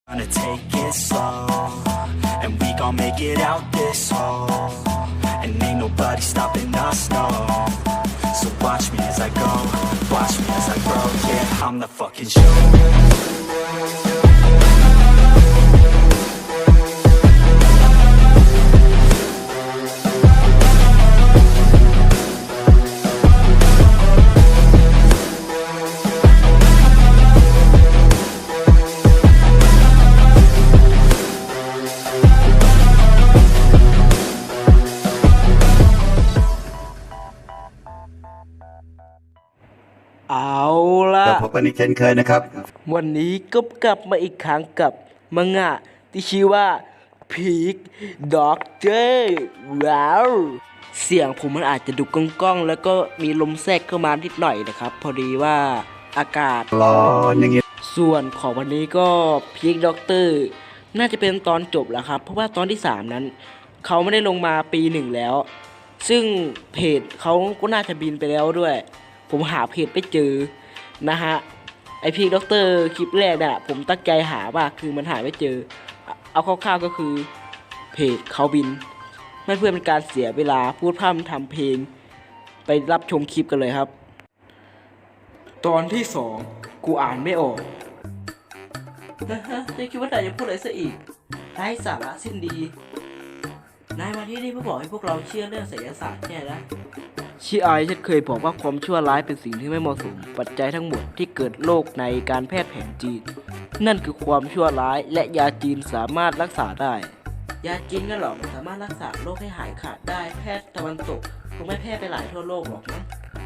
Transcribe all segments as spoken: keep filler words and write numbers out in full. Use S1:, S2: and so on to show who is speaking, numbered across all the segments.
S1: Gonna take it slow, and we gon' make it out this hole, and ain't nobody stopping us, no. So watch me as I go, watch me as I grow, yeah, I'm the fucking show.
S2: เอาละ
S3: เราพบกันอีกเช่นเคยนะครับ
S2: วันนี้ก็กลับมาอีกครั้งกับมังงะที่ชื่อว่าพีคด็อกเตอร์ว้าวเสียงผมมันอาจจะดุก้องๆแล้วก็มีลมแทรกเข้ามานิดหน่อยนะครับพอดีว่าอากาศ
S3: ร้อนอย่างงี้
S2: ส่วนของวันนี้ก็พีคด็อกเตอร์น่าจะเป็นตอนจบแล้วครับเพราะว่าตอนที่สามนั้นเขาไม่ได้ลงมาปีหนึ่งแล้วซึ่งเพจเขาก็น่าจะบินไปแล้วด้วยผมหาเพจไม่เจอนะฮะไอพีคด็อกเตอร์คลิปแรกน่ะผมตั้งใจหาว่าคือมันหาไม่เจอเอาคร่าวๆก็คือเพจเขาบินไม่เพื่อเป็นการเสียเวลาพูดพร่ำทำเพลงไปรับชมคลิปกันเลยครับตอนที่สองกูอ่านไม่ออกนะฮะจะคิดว่านายจะพูดอะไรซะอีกไร้สาระสิ้นดีนายมาที่นี่เพื่อบอกให้พวกเราเชื่อเรื่องไสยศาสตร์แค่นะชีไอฉันเคยบอกว่าความชั่วร้ายเป็นสิ่งที่ไม่เหมาะสมปัจจัยทั้งหมดที่เกิดโรคในการแพทย์แผนจีนนั่นคือความชั่วร้ายและยาจีนสามารถรักษาได้ยาจีนก็หรอกสามารถรักษาโรคให้หายขาดได้แพทย์ตะวันตกคงไม่แพร่ไปหลายทั่วโลกหรอกนะ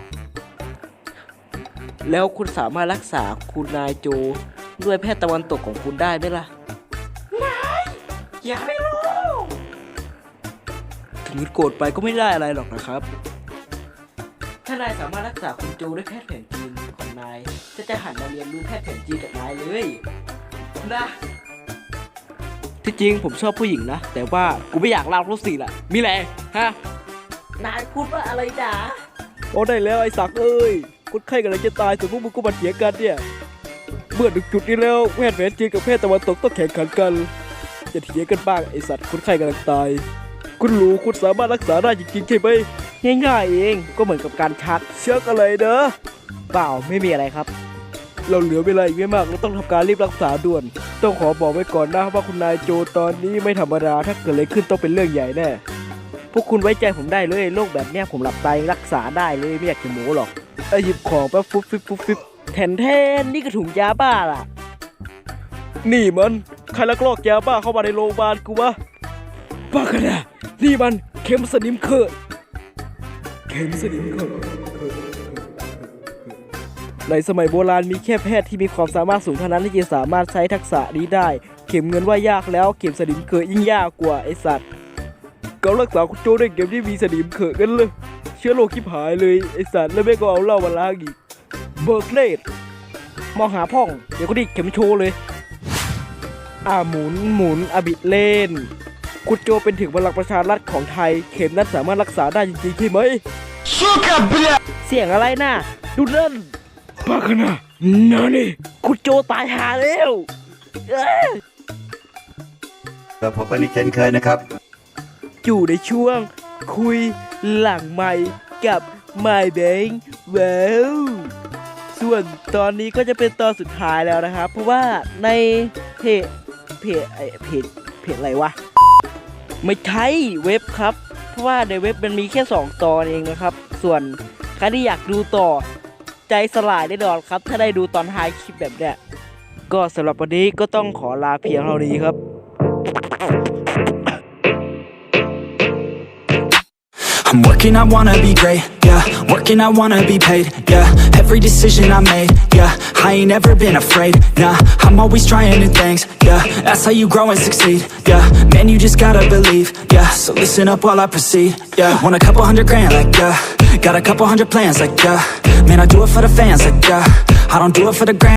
S2: แล้วคุณสามารถรักษาคุณนายโจด้วยแพทย์ตะวันตกของคุณได้ไหมล่ะนายอย่าไม่รู้ถึงโกรธไปก็ไม่ได้อะไรหรอกนะครับถ้านายสามารถรักษาคุณโจด้วยแพทย์แผนจีนของนายจะจะหันมาเรียนรู้แพทย์แผนจีนกับนายเลยนะที่จริงผมชอบผู้หญิงนะแต่ว่ากูไม่อยากเล่ารู้สิล่ะมีอะไรฮะนายพูดว่าอะไรจ๋าโอ้ได้แล้วไอ้สักเอ้ยคนไข้กำลังจะตายส่วนพวกมึงก็มาเถียงกันเนี่ยเมื่อถึงจุดนี้แล้วแพทย์แผนจีนกับแพทย์ตะวันตกต้องแข่งขันกันจะเถียงกันบ้างไอ้สัตว์คนไข้กำลังตายคุณรู้คุณสามารถรักษาได้จริงๆใช่ไหมง่ายๆเองก็เหมือนกับการชักเชือกอะไรเด้อเปล่าไม่มีอะไรครับเราเหลือเวลาอีกไม่มากเราต้องทำการรีบรักษาด่วนต้องขอบอกไว้ก่อนนะว่าคุณนายโจตอนนี้ไม่ธรรมดาถ้าเกิดอะไรขึ้นต้องเป็นเรื่องใหญ่แน่พวกคุณไว้ใจผมได้เลยโรคแบบเนี้ยผมหลับตายรักษาได้เลยไม่อยากจะโม้หรอกไอหยิบของแป๊บฟุบฟิบฟุบฟิบแทนแทนนี่ก็ถุงยาบ้าล่ะนี่มันใครลักลอบยาบ้าเข้ามาในโรงพยาบาลกูวะบ้ากันนะนี่มันเข็มสนิมเคิร์ดเข็มสนิมเคิร์ดในสมัยโบราณมีแค่แพทย์ที่มีความสามารถสูงเท่านั้นที่จะสามารถใช้ทักษะนี้ได้เข็มเงินว่ายากแล้วเข็มสนิมเคิร์ดยิ่งยากกว่าไอสัตว์เกาลักษาคุณโจด้วยเข็มที่มีสนิมเคิร์ดกันเลยเชื้อโรคชิบหายเลยไอสัตว์แล้วแม่ก็เอาเหล้ามาล้างอีกเบิร์กเลดมองหาพ่องเดี๋ยวก็ดิเข็มโชว์เลยอ่าหมุนหมุนอบิดเล่นคุณโจเป็นถึงพลังประชารัฐของไทยเข็มนั้นสามารถรักษาได้จริงๆใช่ไหมเสียงอะไรน่ะดูนั่นบ้าขนาดนั่นนี่คุณโจตายหาแล้ว
S3: เราพบกันอีกเช่นเคยนะครับ
S2: อยู่ในช่วงคุยหลังไมค์กับ My Bank ว้าวส่วนตอนนี้ก็จะเป็นตอนสุดท้ายแล้วนะครับเพราะว่าในเพจเพจเพจเพจอะไรวะไม่ใช่เว็บครับเพราะว่าในเว็บมันมีแค่สองตอนเองนะครับส่วนใครที่อยากดูต่อใจสลายแน่นอนครับถ้าได้ดูตอนท้ายคลิปแบบเนี้ยก็สำหรับวันนี้ก็ต้องขอลาเพียงเท่านี้ครับ
S1: I'm working, I wanna be great, yeah. Working, I wanna be paid, yeah. Every decision I made, yeah. I ain't never been afraid, nah. I'm always trying new things, yeah. That's how you grow and succeed, yeah. Man, you just gotta believe, yeah. So listen up while I proceed, yeah. Want a couple hundred grand, like, yeah. Got a couple hundred plans, like, yeah. Man, I do it for the fans, like, yeah. I don't do it for the grand.